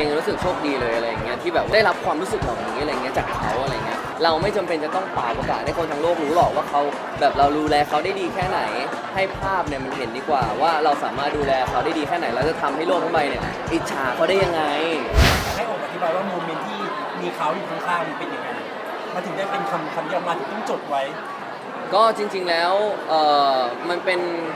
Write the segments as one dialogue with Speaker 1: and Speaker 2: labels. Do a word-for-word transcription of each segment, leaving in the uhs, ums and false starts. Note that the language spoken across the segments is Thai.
Speaker 1: องรู้สึกโชคดีเลยอะไรอย่างเงี้ยที่แบบได้รับความรู้สึกเหล่านี้อะไรเงี้ยจากเขาอะไรเงี้ยเราไม่จำเป็นจะต้องเป่าประกาศให้คนทั้งโลกรู้หรอกว่าเขาแบบเราดูแลเขาได้ดีแค่ไหนให้ภาพเนี่ยมันเห็นดีกว่าว่าเราสามารถดูแลเขาได้ดีแค่ไหนแล้วจะทำให้โลกทั้งใบเนี่ยอิจฉาเขาได้ยังไง
Speaker 2: ให้ผมอธิบายว่าโมเมนต์ที่มีเขาอยู่ข้างๆมันเป็นยังไงมันถึงได้เป็นคำคำเดียวมาถึงต้องจดไว้
Speaker 1: ก็จริงๆแล้วเออมันเป็น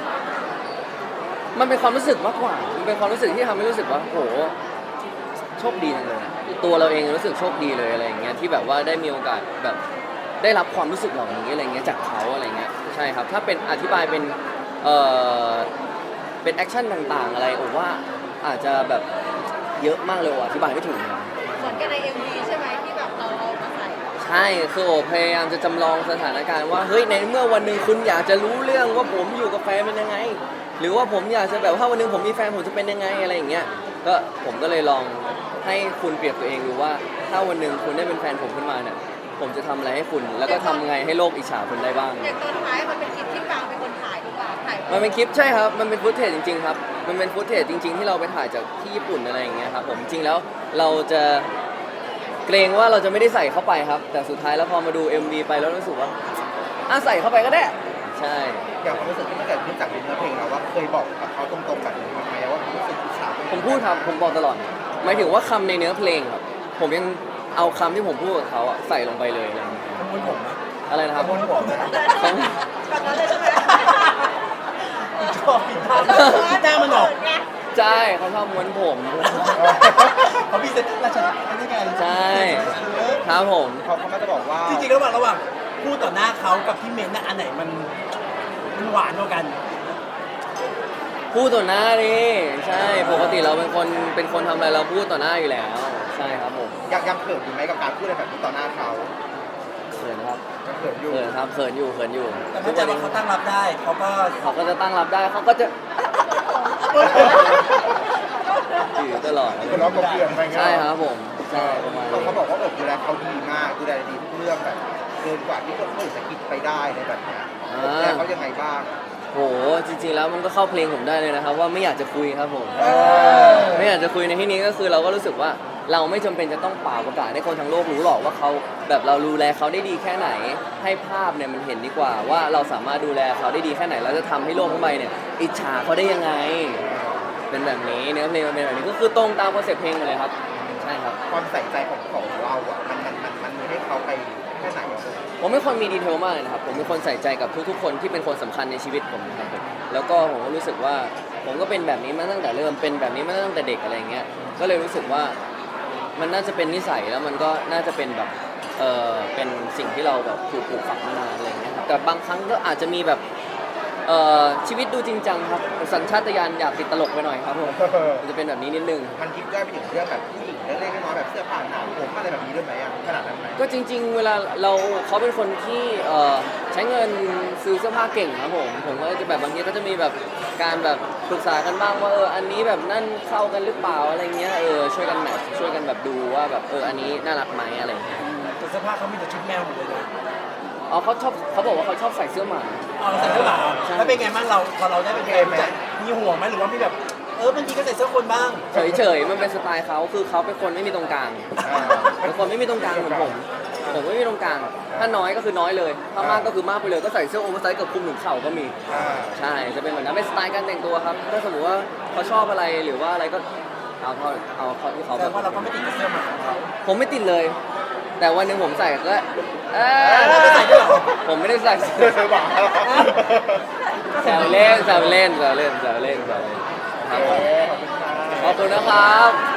Speaker 1: มันเป็นความรู้สึกมากกว่ามันเป็นความรู้สึกที่ทำให้รู้สึกว่าโหโชคดีจังเลยตัวเราเองรู้สึกโชคดีเลยอะไรอย่างเงี้ยที่แบบว่าได้มีโอกาสแบบได้รับความรู้สึกเหล่านี้อะไรเงี้ยจากเขาอะไรเงี้ยใช่ครับถ้าเป็นอธิบายเป็นเออเป็นแอคชั่นต่างๆอะไรผมว่าอาจจะแบบเยอะมากเลยอธิบายไม่ถูกนะ
Speaker 3: เหมือนกันใน เอ็ม วี ใช่ไหมที่แบบเราเอามาใส่
Speaker 1: ใช่คือโอพยายามจะจำลองสถานการณ์ว่าเฮ้ยในเมื่อวันหนึ่งคุณอยากจะรู้เรื่องว่าผมอยู่กับแฟนเป็นยังไงหรือว่าผมอยากจะแบบถ้าวันหนึ่งผมมีแฟนผมจะเป็นยังไงอะไรอย่างเงี้ยก็ผมก็เลยลองให้คุณเปรียบตัวเองดูว่าถ้าวันหนึ่งคุณได้เป็นแฟนผมขึ้นมาเนี่ยผมจะทำอะไรให้คุณแล้วก็ทำไงให้โลกอิจฉาคุณได้บ้าง
Speaker 3: อย่างตอนท้ายมันเป็นคลิปที่ปางเป็นคนถ่ายหรือเปล่าถ่าย
Speaker 1: มันเป็นคลิปใช่ครับมันเป็นฟุตเทจจริงๆครับมันเป็นฟุตเทจจริงๆที่เราไปถ่ายจากที่ญี่ปุ่นอะไรอย่างเงี้ยครับผมจริงแล้วเราจะเกรงว่าเราจะไม่ได้ใส่เข้าไปครับแต่สุดท้ายแล้วพอมาดู เอ็ม วี ไปแล้วรู้สึกว่าอ่ะใส่เข้าไปก็ได้ใช่
Speaker 4: อย่างความรู้สึกที่มันเกิดขึ้นจากเนื้อเพลงเราว่าเคยบอกกับเขาตรงๆแบบนี้ไหมว่ารู้สึกอิจฉา
Speaker 1: ผมพูดครับผมบอกตลอดหมายถึงว่าคำในเนื้อเพลงครับผมยังเอาคำที่ผมพูดกับเขาใส่ลงไปเลยอะไร
Speaker 2: ขโมยผมนะ
Speaker 1: อะไรนะครับ
Speaker 2: ขโมยผมนะ
Speaker 3: แบบนั้นเลยใช่ไหม
Speaker 2: ชอบปิดทางหน้ามันออก
Speaker 1: ใช่เขาชอบม้วนผม
Speaker 2: เขามีเซ็ตราชาไม่ได้ไง
Speaker 1: ใช่ครับผม
Speaker 4: เขาเขาก็จะบอกว่า
Speaker 2: จริงๆระหว่างระหว่างพูดต่อหน้าเขากับพี่เมนน่ะอันไหนมันมันหวานกว่ากัน
Speaker 1: พูดต่อหน้าดิใช่ปกติเราเป็นคนเป็นคนทำอะไรเราพูดต่อหน้าอยู่แล้วใช่ครับผม
Speaker 4: ยังยังเขินอยู่ไหมกับการพูดอะไรแบบนี้ต่อหน้าเขา
Speaker 1: เขินครับ
Speaker 4: เขินอยู่
Speaker 1: เขินครับเขินอยู่เขินอยู่
Speaker 2: แต่ถ้าใจว่าเขาตั้งรับได้เขาก็
Speaker 1: เขาก็จะตั้งรับได้เขาก็จะอยู่ตลอด
Speaker 4: คนร้องกบเกลื่อนไป
Speaker 1: ใช่ครับผมใช่ประมาณ
Speaker 4: เขาบอกว่าอบดูแลเขาดีมากดูแลดีทุกเรื่องแบบเกินกว่าที่คนอื่นจะคิดไปได้ในแบบนี้ดูแลเขายังไงบ้าง
Speaker 1: โหจริงๆแล้วมันก็เข้าเพลงผมได้เลยนะครับว่าไม่อยากจะคุยครับผมไม่อยากจะคุยในที่นี้ก็คือเราก็รู้สึกว่าเราไม่จำเป็นจะต้องเป่าประกาศให้คนทั้งโลกรู้หรอกว่าเขาแบบเราดูแลเขาได้ดีแค่ไหนให้ภาพเนี่ยมันเห็นดีกว่าว่าเราสามารถดูแลเขาได้ดีแค่ไหนแล้วจะทำให้โลกทั้งใบเนี่ยอิจฉาเขาได้ยังไงเป็นแบบนี้เนื้อเพลงมันเป็นแบบนี้ก็คือตรงตามคอนเซ็ปต์เพลงเลยครับใช่ครับ
Speaker 4: ความใส่ใจของของเราอ่ะมันมันมันมันมีให้เขาไปแค่ไหน
Speaker 1: ผมเป็นคนมีดีเทลมากเลยนะครับผมเป็นคนใส่ใจกับทุกๆคนที่เป็นคนสำคัญในชีวิตผมนะครับผมแล้วก็ผมก็รู้สึกว่าผมก็เป็นแบบนี้มาตั้งแต่เริ่มเป็นแบบนี้มาตั้งแต่เด็กอะไรเงี้ยก็เลยรู้สึกว่ามันน่าจะเป็นนิสัยแล้วมันก็น่าจะเป็นแบบเออเป็นสิ่งที่เราแบบถูกปลูกฝังมานานอะไรเงี้ยแต่บางครั้งก็อาจจะมีแบบเอ่อชีวิตดูจริงจังครับสัญชาตญาณอยากติดตลกไปหน่อยครับผมมันจะเป็นแบบนี้นิดนึง
Speaker 4: มันคิดย่อยไปถึงเรื่องแบบผู้หญิงเล็กๆน้อยๆแบบเสื้อผ้าหนาผมอะไรแบบนี้ด้วยไหมอ่ะขนาดนั้นไหม
Speaker 1: ก็จริงๆเวลาเราเขาเป็นคนที่เอ่อใช้เงินซื้อเสื้อผ้าเก่งครับผมผมก็จะแบบบางทีก็จะมีแบบการแบบปรึกษากันบ้างว่าเอออันนี้แบบนั่นเข้ากันหรือเปล่าอะไรเงี้ยเออช่วยกันแมทช์ช่วยกันแบบดูว่าแบบเอออันนี้น่ารักไหมอะไรเงี้ย
Speaker 2: แต่เสื้อผ้าเขามีแต่ชุดแมวหมดเลยนะ
Speaker 1: อ๋อเขาชอบเขาบอกว่าเขาชอบใส่เสื้อหมา
Speaker 2: อ๋อใส่เสื้อหมาแล้วเป็นไงบ้างเราพอเราได้เป็นแฟนมีห่วงไหมหรือว่ามีแบบเออบางทีก็ใส่เสื้อคนบ้าง
Speaker 1: เฉยๆมันเป็นสไตล์เขาคือเขาเป็นคนไม่มีตรงกลางเป็นคนไม่มีตรงกลางเหมือนผมผมไม่มีตรงกลางถ้าน้อยก็คือน้อยเลยถ้ามากก็คือมากไปเลยก็ใส่เสื้อโอเวอร์ไซส์กับคลุมถึงเข่าก็มีใช่จะเป็นเหมือนนั้นเป็นสไตล์การแต่งตัวครับถ้าสมมติว่าเขาชอบอะไรหรือว่าอะไรก็เอาเขาเอาเขาที่เขา
Speaker 2: แต่ว่าเราก็ไม่ติดเสื้อหมาของเขา
Speaker 1: ผมไม่ติดเลยแต่วันหนึ่งผมใส่ก็เออผมไม่ได้ใส่เ
Speaker 4: สื้อหมา
Speaker 1: แซวเล่นแซวเล่นแซวเล่นแซวเล่นแซวเล่นครับขอบคุณนะครับ